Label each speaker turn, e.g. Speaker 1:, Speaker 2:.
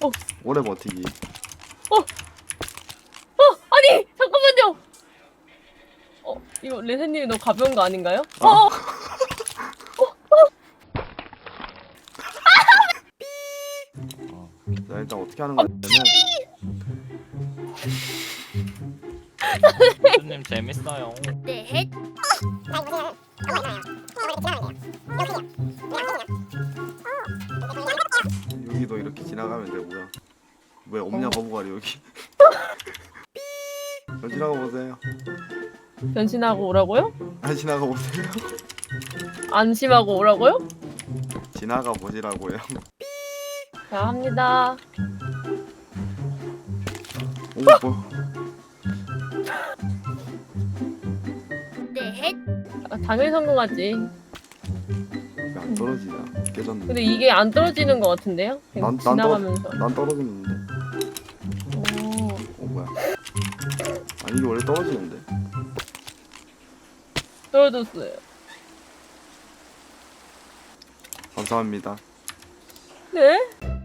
Speaker 1: 오래 버티기.
Speaker 2: 아니 잠깐만요. 이거 레세님이 너무 가벼운 거 아닌가요?
Speaker 1: 자, 일단 어떻게 하는 거냐면
Speaker 3: 교수님 재밌어요.
Speaker 4: 네.
Speaker 1: 여기도 이렇게 지나가면 되고요. 왜 없냐 거북아리 여기. 지나가 보세요.
Speaker 2: 변신하고 오라고요?
Speaker 1: 지나가 보세요.
Speaker 2: 안심하고 오라고요?
Speaker 1: 지나가 보시라고요.
Speaker 2: 자 합니다.
Speaker 1: 오, 뭐.
Speaker 4: 네.
Speaker 2: 당연히 성공하지.
Speaker 1: 왜 안 떨어지냐? 깨졌는데.
Speaker 2: 근데 이게 안 떨어지는 것 같은데요? 그냥
Speaker 1: 난
Speaker 2: 지나가면서.
Speaker 1: 난 떨어지는데. 뭐야? 아니 이게 원래 떨어지는데.
Speaker 2: 떨어졌어요.
Speaker 1: 감사합니다.
Speaker 2: 네?